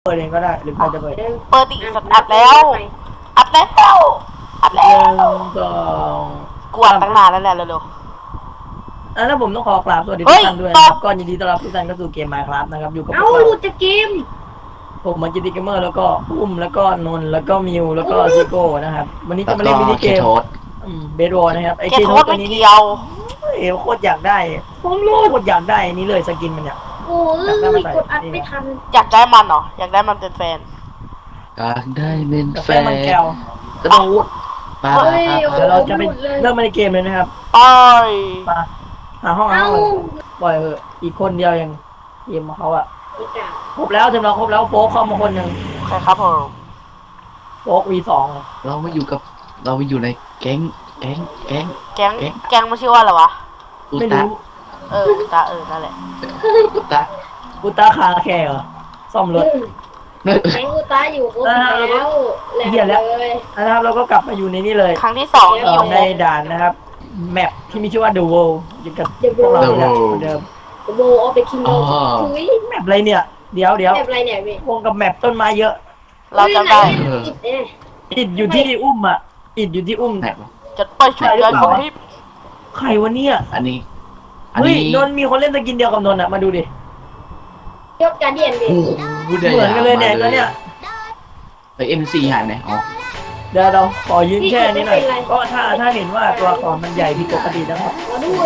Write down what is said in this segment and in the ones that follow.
เปิดเองก็ได้หรือใครจะเปิดเปิดดิอัดแล้วอัดแล้วอัดแล้หวนึ่งสองกวดตั้งนานแล้วแหละเร็วแล้วผมต้องขอกราบสวัสดีทุกท่านด้วยนะครับก็ยินดีต้อนรับทุกท่านเข้าสู่เกม Minecraft นะครับอยู่กับพวกเราจะเกมผมมันจิติเกมเมอร์แล้วก็อุ้มแล้วก็นนท์แล้วก็มิวแล้วก็ซิโก้นะครับวันนี้จะมาเล่นมินิเกมเบสบอลนะครับไอเกเคมโทโทษตัวไม่นี้นี่เกี่ยวโคตรอยากได้ผมรู้โคตรอยากได้อันนี้เลยสกินมันเนี่ยโอ้ยกดอัดไม่ทันอยากได้มันเหรออยากได้มันเป็นแฟนอยากได้เป็นแฟแฟนนมันแก้วกระโดดปาเดี๋ยวเราจะไปเริ่มในเกมเลยนะครับอ้อยมาหาห้องเอ้าปล่อยเถอะอีกคนเดียวยังเกมของเขาอะครบแล้วเต็มเราครบแล้วโป๊กเข้ามาคนหนึ่งใครครับผมโป๊ก V2 เราไม่อยู่กับเราไม่อยู่ในแก๊งแก๊งมันชื่อว่าอะไรวะอุไม่ตะรู้ตานั่นแหละอุตะอุตาคาแคร์เหรอซ่อมรถแข่งกูตาอยู่ครบแล้วแหลกเลยนะครับเราก็กลับมาอยู่ในนี้เลยครั้งที่สองที่อยู่ในด่านนะครับแมปที่มีชื่อว่า The World อยู่กับพวกเราเนี่ยเหมือนเดิมโบเอาไปคิงโดอุ้ยแมปอะไรเนี่ยเดี๋ยวแบบอะไรเนี่ยพี่วงกับแมปต้นไม้เยอะเราจำได้อิดเนี่ยอิดอยู่ที่อุ้มอ่ะอิดอยู่ที่อุ้มไหนวะจะไปช่วยยายคนที่ใครวะเนี่ยอันนี้เฮ้ยนนท์มีคนเล่นสกินเดียวกับนนท์อ่ะมาดูดิยกการเดียนพี่โอ้โหเหมือนกันเลยเนี่ยตัวเนี้ยไอเอ็มซีหายไหนอ๋อเดี๋ยวเราขอยืนแช่นี้หน่อยก็ถ้าเห็นว่าตัวละครมันใหญ่ผิดปกตินะครับมาด้วย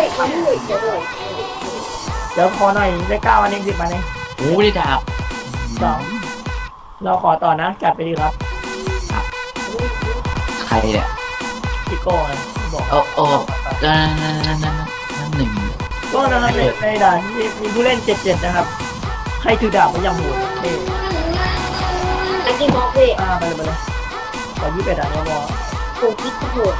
เดี๋ยวขอหน่อยได้9อันเอง10อันเองโอ้ได้ดาบ 2เราขอต่อนะจัดไปดีครับใครเนี่ยพี่โก้นะบอกโอ้นั่นหนึ่งก็นะครับในด่านที่มีผู้เล่น77นะครับใครถือดาบมันยังโหดเท่ตะกี้บอกพี่ไปเลยขอ21อันก็พอผมคิดโหด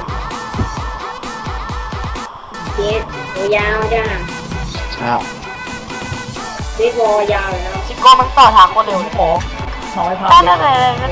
เจ็ดตัวยาวจ้าครับเบสบอลยาวแล้วซิโก้มันต่อทางคนเร็วขอน้อยพักได้เนี่ยเพื่อน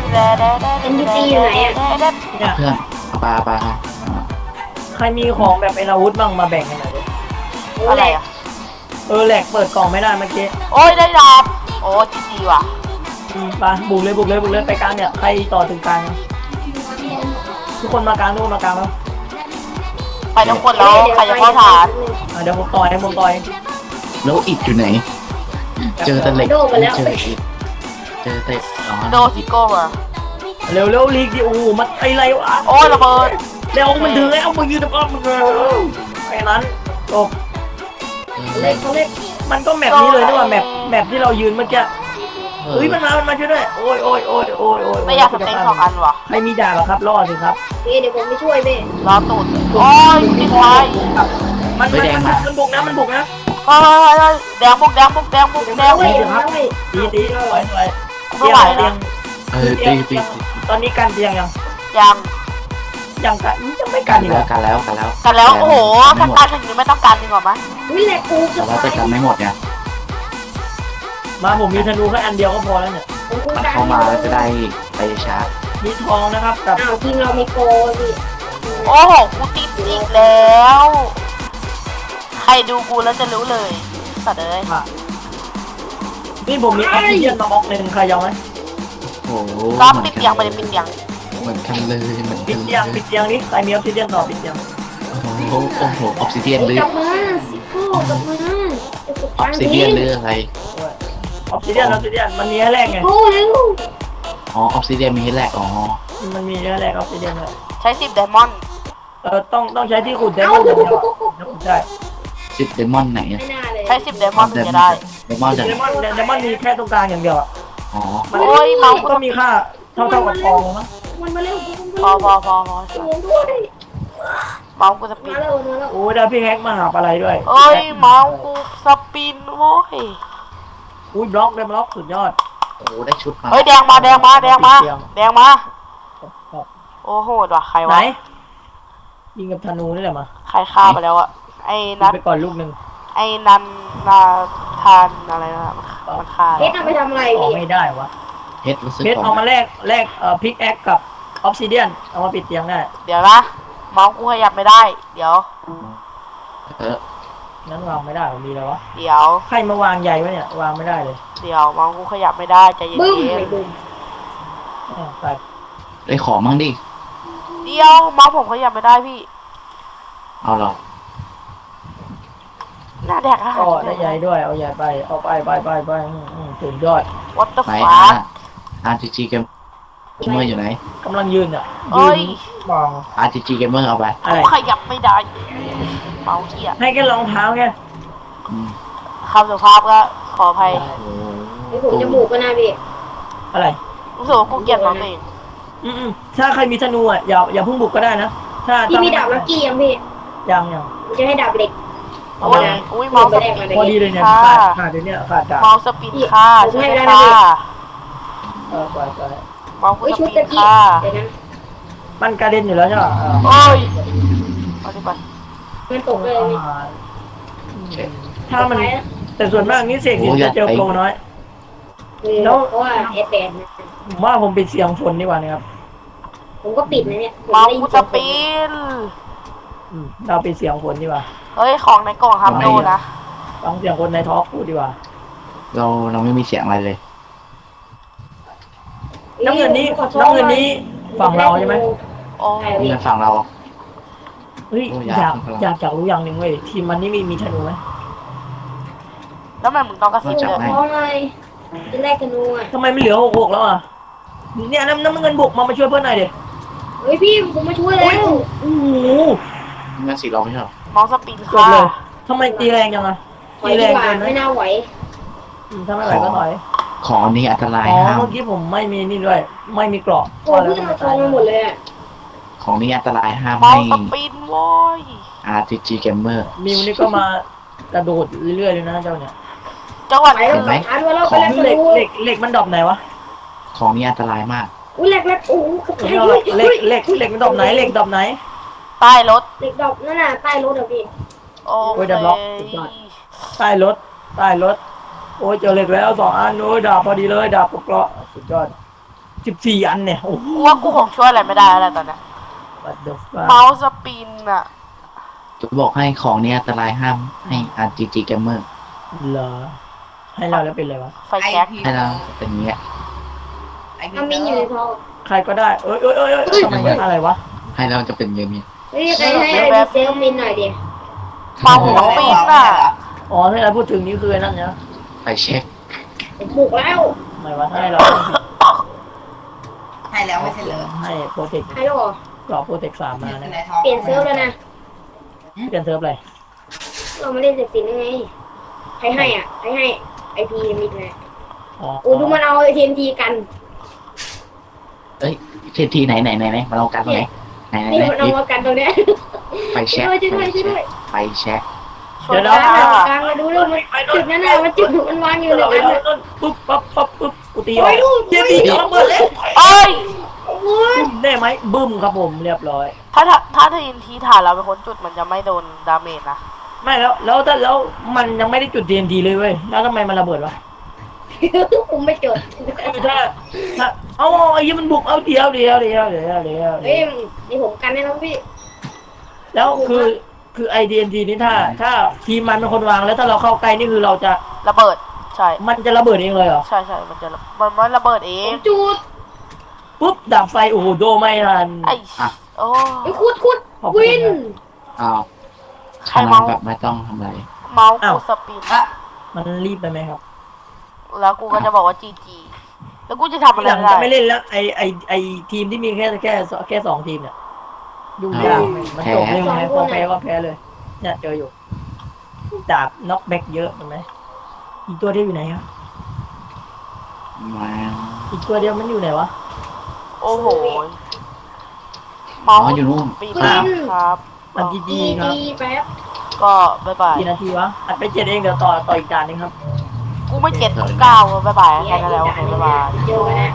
ปลาใครมีของแบบเป็นอาวุธบ้างมาแบ่งกันหน่อยดิอะไรอ่ะแหลกเปิดกล่องไม่ได้เมื่อกี้โอ้ยได้ดาบโอ้จีว่ะไปบุกเลยไปกลางเนี่ยใครต่อถึงกลางทุกคนมากลางทุกคนมากลางแล้วไปทุกคนแล้วใครจะเข้าฐานเดี๋ยวผมต่อยแล้วอิดอยู่ไหน เจอตะเหล็กเจออิดเจอเตะอ๋อโดซิโก้มาเร็วลีกดิโอ้มันอะไรวะโอ้ยระเบิดเร็วมันถึงแล้วมึงยืนตะก้อนมึงแค่นั้นจบเล็กเขาเล็กมันก็แมปนี้เลยนี่ว่าแมปที่เรายืนเมื่อกี้เฮ้ยมันมาช่วยด้วยโอ้ยไม่อยากสเต็ง2 อันว่ะใครมีดาบครับรอสิครับพี่เดี๋ยวผมไปช่วยพี่รอตูดโอ้ยติดไฟมันบุกนะเฮ้ยแดงบุกเฮ้ยครับตีสวยไม่ไหวนะตีตอนนี้กันเตียงยังยังกันยังไม่กันอีกเหรอกันแล้วกันแล้วโอ้โหถ้าการถึงนี้ไม่ต้องการดีกว่ามั้ยอุ้ยแหลกกูแต่ว่าจะกันไม่หมดไงมาผมมีธนูแค่อันเดียวก็พอแล้วเนี่ยมันเข้ามาแล้วจะได้ไปชาร์จมีทองนะครับกับอ้าวทีมเรามีโกพี่โอ้โหกูติดอีกแล้วใครดูกูแล้วจะรู้เลยสัตว์เอ้ยนี่ผมมีออกซิเจนมาบล็อกหนึ่งใครยอมไหมโอ้โหก็ปิดเตียงไปเลยปิดเตียงเหมือนกันเลยปิดเตียงนี่ใครมีออกซิเจนต่อปิดเตียงโอ้โหออกซิเดียนหรือกลับมาซิโก้กลับมาออกซิเดียนหรืออะไรออกซิเจนมันมีแรกไงโอ้เร็วอ๋อออกซิเดียนมีให้แรกอ๋อมันมีแรกออกซิเจนเลยใช้10 ไดมอนด์ต้องใช้ที่ขุดได้มันจะขุดได้ 10 เดมอนไหนไม่น่าเลยใช้10 ไดมอนด์ถึงจะได้เดมอนจากเดมอนมีแค่ตรงกลางอย่างเดียวอ่ะอ๋อมันก็มีค่าเท่ากับทองมั้งมันมาเร็วพอช่วยด้วยเมาส์กูสปิมาน เร็วโอ้ยเดี๋ยวพี่แฮกมาหาอะไรด้วยเอ้ยเมาส์กูสปินโว้ยอุ้ยบล็อกสุดยอดโอ้ได้ชุดมาเฮ้ยแดงมาโอ้โหว่ะใครไหนวะยิงกับธนูนี่แหละมาใครฆ่าไปแล้วอะไอ้นัทไปก่อนลูกหนึ่งไอ้นันนาทานอะไรนะมันฆ่าเพชรเอาไปทำอะไรออกพี่ไม่ได้วะเพชรรู้สึกเพชรเอามาแลกพิกแอคกับออฟซิเดียนเอามาปิดเตียงได้เดี๋ยวนะเมาส์กูขยับไม่ได้เดี๋ยวนั้นวางไม่ได้ผมมีแล้ววะเดี๋ยวใครมาวางใหญ่ไว้เนี่ยวางไม่ได้เลยเดี๋ยวเมาส์กูขยับไม่ได้ใจเย็บึ้มนไม่บึ้มใส่ได้ของมั่งดิๆเดี๋ยวเมาส์ผมขยับไม่ได้พี่เอาเหรอหน้าแดกอาหารก็ได้ใหญ่ด้วยเอาใหญ่ไปเอาไปสุดยอดวัตถุไหนฟ้า RPG Gamer อยู่ไหนกำลังยืนอ่ะเอ้ยืยนมอง RPG Gamer เอาไปอะไรขยับไม่ได้ เมาส์เหี้ยให้แค่รองเท้าแค่อืมคำสุภาพก็ขออภัยโอ้ไอ้ผมจมูกก็น่าพี่อะไรรู้สึกว่ากูเกลียดเมาส์ตัวเองถ้าใครมีธนูอ่ะอย่าเพิ่งบุกก็ได้นะถ้าพี่มีดาบลักกี้ยังพี่ยังมันจะให้ดาบเหล็กเอาโอ้มายอุ้ยเมาส์สปินพอดีเลยเนี่ยค่ะขาดเดี๋ยวนี้ขาดดาบเมาส์สปินค่ะช่วยด้วยค่ะไปเมาส์กูเฮ้ยสชุดปิตะนกี้ค่ะเดี๋ยวนะมันกระเด็นอยู่แล้วใช่ป่ะโอ้ยเอาดิไปมันตกเลยพี่ถ้ามันแต่ส่วนมากนี่เสกจะเจอโปรน้อยเพราะว่าเอฟแปดนะผมว่าผมปิดเสียงฝนดีกว่านะครับผมก็ปิดนะเนี่ยเมาส์กูสปินเราปิดเสียงฝนดีกว่าเฮ้ยของในกล่องครับโดนะฟังเสียงคนในท็อปพูดดีกว่าเราไม่มีเสียงอะไรเลยน้ำเงินนี้ฝั่งเราใช่ไหมโอ้นี่มันฝั่งเราเฮ้ยโอ้อยากรู้อย่างหนึ่งเว้ยทีมมันนี่มีธนูไหมแล้วทำไมมึงต้องกระซิบจับเลยท้องเลยจะแรกธนูอ่ะทำไมไม่เหลือ6แล้วอ่ะเนี่ยน้ำเงินบุกมาช่วยเพื่อนหน่อยดิเฮ้ยพี่ผมมาช่วยแล้วโอ้โหงั้นสิเราไม่ใช่หรอเมาส์สปินจบค่ะเลยทำไมตีแรงจังอ่ะไหวตีแรดีงกว่าเกินไหมไม่น่าไหวถ้าไม่ไหวก็ถอยของอันนี้อันตรายอ๋อห้ามเมื่อกี้ผมไม่มีนี่ด้วย ไม่มีเกราะโอ้เพื่อนมาทองมาหมดเลยอ่ะของนี้อันตรายห้ามเมาให้ส์สปินโว้ย RPG Gamer มิวนี่ก็มากระโดดเรื่อยๆเลยนะเจ้าเนี่ยจังหวัดไปแล้วเห็นไหมหาด้วยแล้วไปแล้วธเหล็กนูเหล็กมันดรอปไหนวะของนี้อันตรายมากอุ้ยแรกโอ้โหกระผมแทไม่กเอาหรอกเหล็กมันดรอปไหนเหล็กดรอปไหนใต้รถเหล็กดอกนั่นน่ะใต้รถอ่ะพี่โอ้โอ้ยดับล็อกสุดยอด ใต้รถโอ้ยเจอเหล็กแล้ว2 อันโอ้ยดาบพอดีเลยดาบกับเกราะสุดยอด14 อันเนี่ยโอ้โหกูว่ากูคงช่วยอะไรไม่ได้แล้วตอนเนี้ย What the fuck เมาส์สปินอะจะบอกให้ของนี้อันตรายห้ามให้ RPG Gamer เหรอให้เราแล้วเป็นไรวะไฟแช็กให้เราเป็นอย่างเงี้ยถ้ามีอยู่ในท้องใครก็ได้เอ้ยทำไมอะไรวะให้เราจะเป็นอย่างเงี้ยเฮ้ยใครให้ไอพีเซลมินหน่อยดิเมาส์สปินอะอ๋อที่เราพูดถึงนี่คือไอ้นั่นเนี่ยไปเช็คผมบุกแล้วทำไมวะให้เราให้แล้วไม่ใช่เหรอให้โปรเทคให้แล้วเหรอเกราะโปรเทค3มานะในท้องเปลี่ยนเซิร์ฟแล้วนะเปลี่ยนเซิร์ฟอะไรเรามาเล่นเสร็จสินได้ไงใครให้อ่ะใครให้ไอพีมิดนะอ๋อโอ้ดูมันเอาทีมทีกันเอ้ยเช็คทีไหนมาเรากันตรงไหนไหนนี่มันเอามากันตรงเนี้ยไปเช็คช่วยด้วยไปเช็คช่วยกได้ลางกลางมาดูด้วยมันจุดนั้นน่ะมันจุดมันวางอยู่เราในไปนั้นต้นปุ๊บปั๊บกูตีอโอ้อกยลูกเจตีกำลังเปิดเลยเอ้ยโอ้ยบึ้มได้ไหมบึ้มครับผมเรียบร้อยถ้าทีนทีฐานเราเป็นคนจุดมันจะไม่โดนดาเมจนะไม่แล้วมันยังไม่ได้จุด TNT เลยเว้ยแล้วทำไมมันระเบิดวะผมไม่จดคือถ้าเอาไอ้ยี่มันบุกเอาเดียวเฮ้ยนี่ผมกันได้แล้วพี่แล้วคือไอ TNT นี่ถ้าทีมมันเป็นคนวางแล้วถ้าเราเข้าใกล้นี่คือเราจะระเบิดใช่มันจะระเบิดเองเลยเหรอใช่มันระเบิดเอผงมจุดปุ๊บดับไฟโอ้โหโดไม่ทันไอ้โอ้ไอ้คุดวินอ้าวใครทำเมาแบบไม่ต้องทำอะไรเมาส์กูสปินมันรีบไปไหมครับแล้วกูก็จะบอกว่าจีจีแล้วกูจะทำอะไรหลังไม่จะได้ไม่เล่นแล้วไอทีมที่มีแค่2 ทีมเนี่ยยุ่งยากมันจบเร็วไงพอแพ้ก็แพ้เลย เนี่ยเจออยู่ดาบน็อกแบ็กเยอะเห็นไหมอีกตัวเดียวอยู่ไหนครับมาอีกตัวเดียวมันอยู่ไหนวะโอ้โหเมาส์อยู่นู่นปีครับมันดีๆครับแป๊บก็บ๊ายบายกี่นาทีวะอัดไป7เองเดี๋ยวต่ออีกจานนึงครับกูไม่เจ็ดกู9บ๊ายบายแค่นั้นแล้วโอเคบ๊ายบายเจอกันนะ